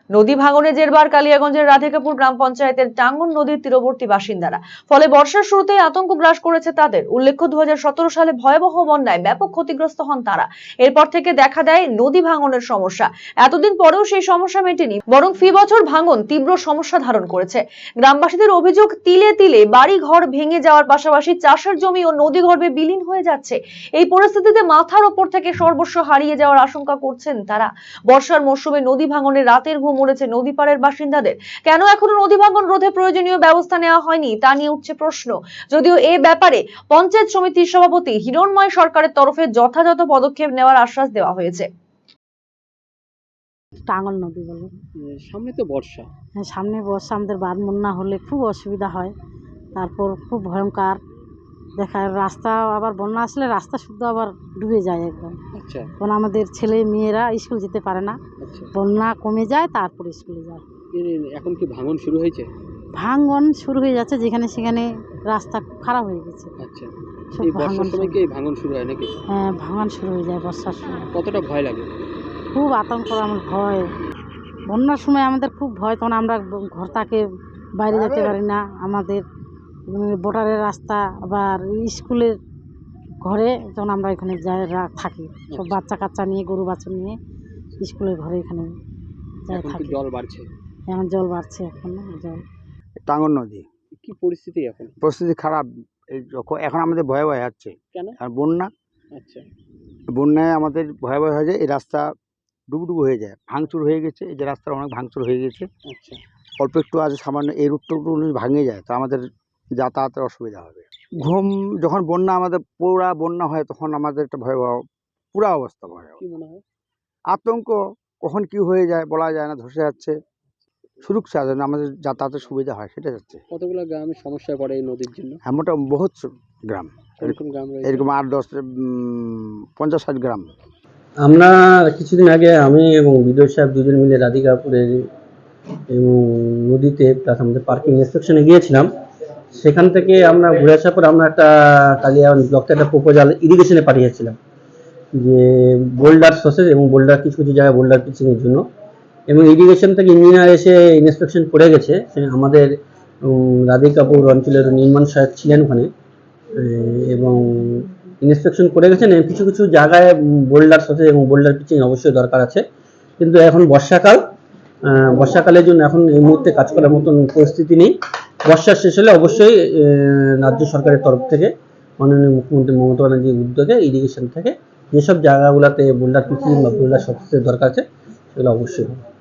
নদী ভাঙনে জেরবার কালিয়াগঞ্জের রাধিকাপুর গ্রাম পঞ্চায়েতের টাঙ্গন নদীর তীরবর্তী বাসিন্দারা। ফলে বর্ষার শুরুতেই আতঙ্ক গ্রাস করেছে তাদের। উল্লেখ্য 2017 সালে ভয়াবহ বন্যায় ব্যাপক ক্ষতিগ্রস্ত হন তারা। এরপর থেকে দেখা দেয় নদী ভাঙনের সমস্যা। এতদিন পরেও সেই সমস্যা মেটেনি, বরং ফি বছর ভাঙন তীব্র সমস্যা ধারণ করেছে। গ্রামবাসীদের অভিযোগ, তিলে তিলে বাড়ি ঘর ভেঙে যাওয়ার পাশাপাশি চাষের জমি ও নদী গর্ভে বিলীন হয়ে যাচ্ছে। এই পরিস্থিতিতে মাথার ওপর থেকে সর্বস্ব হারিয়ে যাওয়ার আশঙ্কা করছেন তারা। বর্ষার মৌসুমে নদী ভাঙনে রাতের ঘুম উড়েছে নদী পাড়ের বাসিন্দাদের। কেন এখনো নদী ভাঙন রোধে প্রয়োজনীয় ব্যবস্থা নেওয়া হয়নি তা নিয়ে উঠছে প্রশ্ন। যদিও এ ব্যাপারে পঞ্চায়েত সমিতির সভাপতি হিরণময় সরকারের তরফে যথাযথ পদক্ষেপ নেওয়ার আশ্বাস দেওয়া হয়েছে। টাঙ্গন নদী বলে। সামনে তো বর্ষা। হ্যাঁ, সামনে বর্ষা, আমাদের বাঁধ বন্যা হলে খুব অসুবিধা হয়। তারপর খুব ভয়ঙ্কর দেখায় রাস্তা, আবার বন্যা আসলে রাস্তা শুদ্ধ আবার ডুবে যায় একদম। আচ্ছা। কারণ আমাদের ছেলে মেয়েরা স্কুল যেতে পারে না। আচ্ছা। বন্যা কমে যায় তারপর স্কুলে যায়। এখন কি ভাঙন শুরু হয়েছে? ভাঙন শুরু হয়ে যাচ্ছে, যেখানে সেখানে রাস্তা খুব খারাপ হয়ে গেছে। আচ্ছা। সব এই বর্ষার ভাঙন সময় কি এই ভাঙন শুরু হয় নাকি? হ্যাঁ, ভাঙন শুরু হয়ে যায় বর্ষার সময়। কতটা ভয় লাগে? খুব আতঙ্ক, আমার ভয়। বন্যার সময় আমাদের খুব ভয়, তখন আমরা ঘর থেকে বাইরে যেতে পারি না। আমাদের বর্ডারের রাস্তা আবার স্কুলের ঘরে, যখন আমরা এখানে যাই থাকি সব বাচ্চা কাচ্চা নিয়ে, গরু বাছুর নিয়ে স্কুলের ঘরে এখানে যাই থাকি। জল বাড়ছে? এখন জল বাড়ছে, এখন জল। টাঙ্গন নদী কি পরিস্থিতি এখন? পরিস্থিতি খারাপ। এখন আমাদের ভয় ভয় হচ্ছে। কেন? আর বন্যা, আচ্ছা। বন্যায় আমাদের ভয় ভয় হয়ে যায়। এই রাস্তা ডুবুডুবু হয়ে যায়, ভাঙচুর হয়ে গেছে। এই যে রাস্তার অনেক ভাঙচুর হয়ে গেছে। আচ্ছা। অল্প একটু আছে সামান্য, এই রুটটুকু ভাঙে যায়, তো আমাদের যাতায়াতের অসুবিধা হবে। ঘুম, যখন বন্যা আমাদের পুরা বন্যা হয় তখন আমাদের একটা ভয়াবহ পুরা অবস্থা, ভয়াবহ কি মনে হয়? আতঙ্ক। কখন কি হয়ে যায় বলা যায় না, ধসে যাচ্ছে। সুরক্ষা যেন আমাদের যাতায়াতের সুবিধা হয় সেটা যাচ্ছে। কতগুলো গ্রামের সমস্যায় পড়ে এই নদীর জন্য? হ্যাঁ, মোটামুটি বহুত গ্রাম, এরকম গ্রাম রয়েছে? এরকম 8-10 50-60 গ্রাম। আমরা কিছুদিন আগে আমি এবং বিদ্যুৎ সাহেব দুজন মিলে রাধিকাপুরের এবং নদীতে প্লাস আমাদের পার্কিং ইন্সপেকশনে গিয়েছিলাম। সেখান থেকে আমরা ঘুরে আসার পর আমরা একটা কালিয়াগঞ্জ ব্লকতে একটা প্রপোজাল ইরিগেশনে পাঠিয়েছিলাম, যে বোল্ডার সসেজ এবং বোল্ডার কিছু কিছু জায়গায় বোল্ডার পিচিংয়ের জন্য। এবং ইরিগেশন থেকে ইঞ্জিনিয়ার এসে ইন্সপেকশন করে গেছে। আমাদের রাধিকাপুর অঞ্চলের নির্মাণ সহায়ক ছিলেন ওখানে, এবং ইন্সপেকশন করে গেছেন। কিছু কিছু জায়গায় বোল্ডার সসেজ এবং বোল্ডার পিচিং অবশ্যই দরকার আছে, কিন্তু এখন বর্ষাকালের জন্য এখন এই মুহূর্তে কাজ করার মতন পরিস্থিতি নেই। বর্ষা শেষ হলে অবশ্যই রাজ্য সরকারের তরফ থেকে মাননীয় মুখ্যমন্ত্রী মমতা ব্যানার্জির উদ্যোগে ইরিগেশন থেকে যেসব জায়গাগুলোতে বোল্ডার পিচিং বা বোল্ডার সসেজের দরকার আছে সেগুলো অবশ্যই হবে।